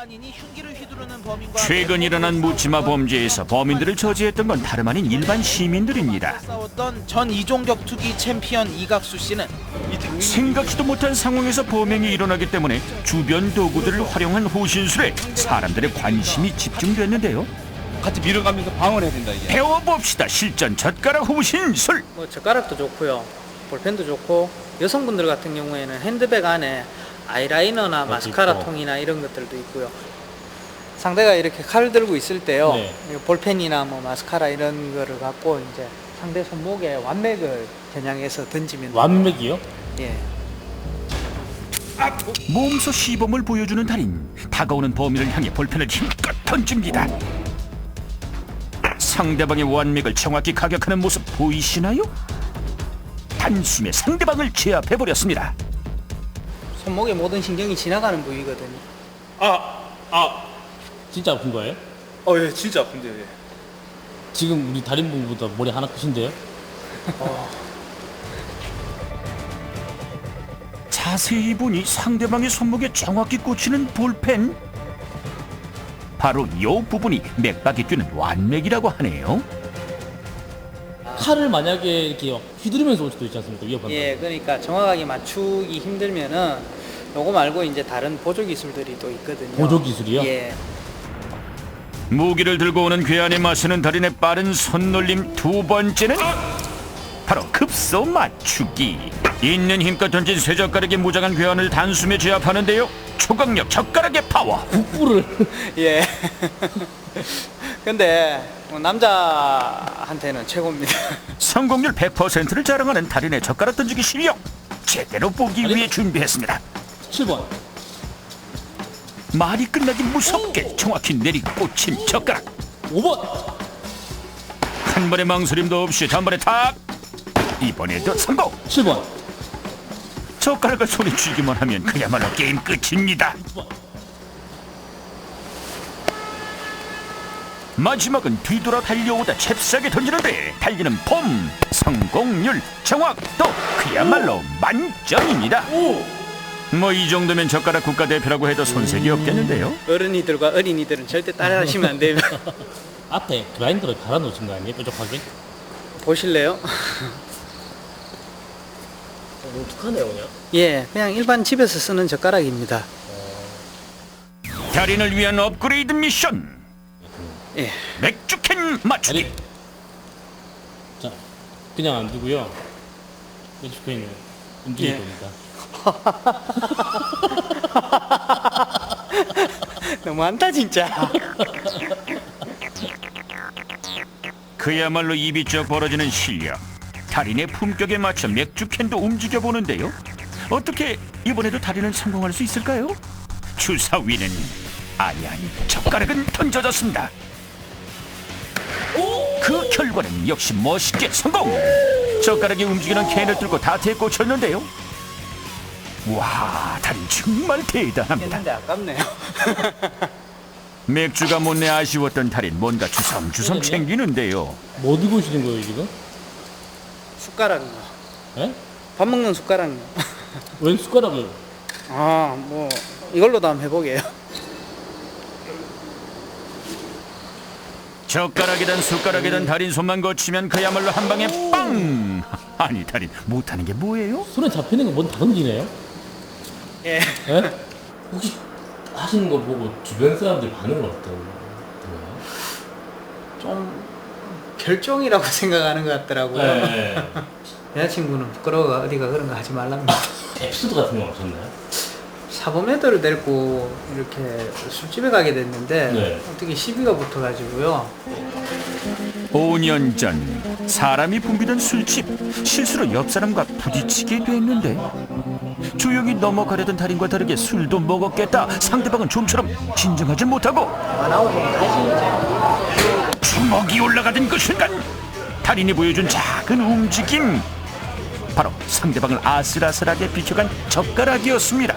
일반인이 흉기를 휘두르는 범인과 최근 일어난 묻지마 범죄에서 범인들을 저지했던 건 다름 아닌 일반 시민들입니다. 싸웠던 전 이종 격투기 챔피언 이각수 씨는 생각지도 못한 상황에서 범행이 일어나기 때문에 주변 도구들을 활용한 호신술에 사람들의 관심이 집중됐는데요. 같이 밀어가면서 방어를 해야 된다 이게. 배워봅시다. 실전 젓가락 호신술. 뭐 젓가락도 좋고요, 볼펜도 좋고, 여성분들 같은 경우에는 핸드백 안에 아이라이너나 마스카라 통이나 이런 것들도 있고요. 상대가 이렇게 칼을 들고 있을 때요, 네. 볼펜이나 뭐 마스카라 이런 거를 갖고 이제 상대 손목에 완맥을 겨냥해서 던지면 완맥이요? 예. 몸소 시범을 보여주는 달인. 다가오는 범인을 향해 볼펜을 힘껏 던집니다. 상대방의 완맥을 정확히 가격하는 모습 보이시나요? 단숨에 상대방을 제압해버렸습니다. 손목의 모든 신경이 지나가는 부위거든요. 진짜 아픈 거예요? 예, 진짜 아픈데요. 예. 지금 우리 달인분보다 머리 하나 크신데요? 자세히 보니 상대방의 손목에 정확히 꽂히는 볼펜. 바로 이 부분이 맥박이 뛰는 완맥이라고 하네요. 칼을 만약에 이렇게 휘두르면서 올 수도 있지 않습니까? 위협한다. 예, 그러니까 정확하게 맞추기 힘들면은 요거 말고 이제 다른 보조 기술들이 또 있거든요. 보조 기술이요? 예. 무기를 들고 오는 괴한에 맞서는 달인의 빠른 손놀림. 두 번째는 바로 급소 맞추기. 있는 힘껏 던진 쇠젓가락의 무장한 괴한을 단숨에 제압하는데요. 초강력 젓가락의 파워. 북부를 예. 근데 뭐 남자한테는 최고입니다. 성공률 100%를 자랑하는 달인의 젓가락 던지기 실력. 제대로 보기 위해 준비했습니다. 7번. 말이 끝나기 무섭게 정확히 내리고 꽂힌 젓가락. 5번. 한 번의 망설임도 없이 단번에 탁. 이번에도 성공. 7번. 젓가락을 손에 쥐기만 하면 그야말로 게임 끝입니다. 6번. 마지막은 뒤돌아 달려오다 잽싸게 던지는데 달리는 폼, 성공률, 정확도 그야말로 만점입니다. 뭐 이 정도면 젓가락 국가대표라고 해도 손색이 없겠는데요. 어른이들과 어린이들은 절대 따라하시면 안 됩니다. 앞에 그라인더를 갈아 놓으신 거 아니에요? 뾰족하게? 보실래요? 너무 툭하네요 그냥. 예, 그냥 일반 집에서 쓰는 젓가락입니다. 달인을 위한 업그레이드 미션. 예. 맥주캔 맞추기. 아니, 자, 그냥 안 두고요. 맥주캔을 움직일 예. 겁니다. 너무한다 진짜. 그야말로 입이 쩍 벌어지는 실력. 달인의 품격에 맞춰 맥주캔도 움직여보는데요. 어떻게 이번에도 달인은 성공할 수 있을까요? 주사위는 아니 젓가락은 던져졌습니다. 그 결과는 역시 멋있게 성공. 젓가락이 움직이는 캔을 들고 다트에 꽂혔는데요. 와, 달인 정말 대단합니다. 했는데 아깝네요. 맥주가 못내 아쉬웠던 달인 뭔가 주섬주섬 챙기는데요. 뭐 들고 오시는 거예요 지금? 숟가락이요. 예? 밥 먹는 숟가락이요. 웬 숟가락을? 아, 뭐 이걸로도 한번 해보게요. 젓가락이든 숟가락이든 달인 손만 거치면 그야말로 한 방에 빵! 아니 달인 못하는 게 뭐예요? 손에 잡히는 건 뭔 다른지네요? 예. 예? 혹시 하시는 거 보고 주변 사람들 반응은 어떤가요? 좀 결정이라고 생각하는 것 같더라고요. 네. 여자친구는 부끄러워 어디가 그런 거 하지 말랍니다. 에피소드 같은 거 없었나요? 사범 애들을 데리고 이렇게 술집에 가게 됐는데 네. 어떻게 시비가 붙어가지고요. 5년 전 사람이 붐비던 술집. 실수로 옆 사람과 부딪히게 됐는데 조용히 넘어가려던 달인과 다르게 술도 먹었겠다. 상대방은 좀처럼 진정하지 못하고 주먹이 올라가던 그 순간 달인이 보여준 작은 움직임. 바로 상대방을 아슬아슬하게 비켜간 젓가락이었습니다.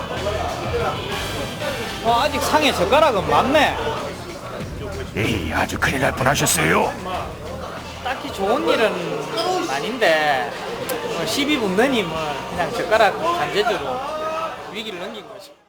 아직 상에 젓가락은 많네. 에이, 아주 큰일 날 뻔하셨어요. 딱히 좋은 일은 아닌데 뭐 시비 붙느니 뭐 그냥 젓가락 간제주로 위기를 넘긴 거죠.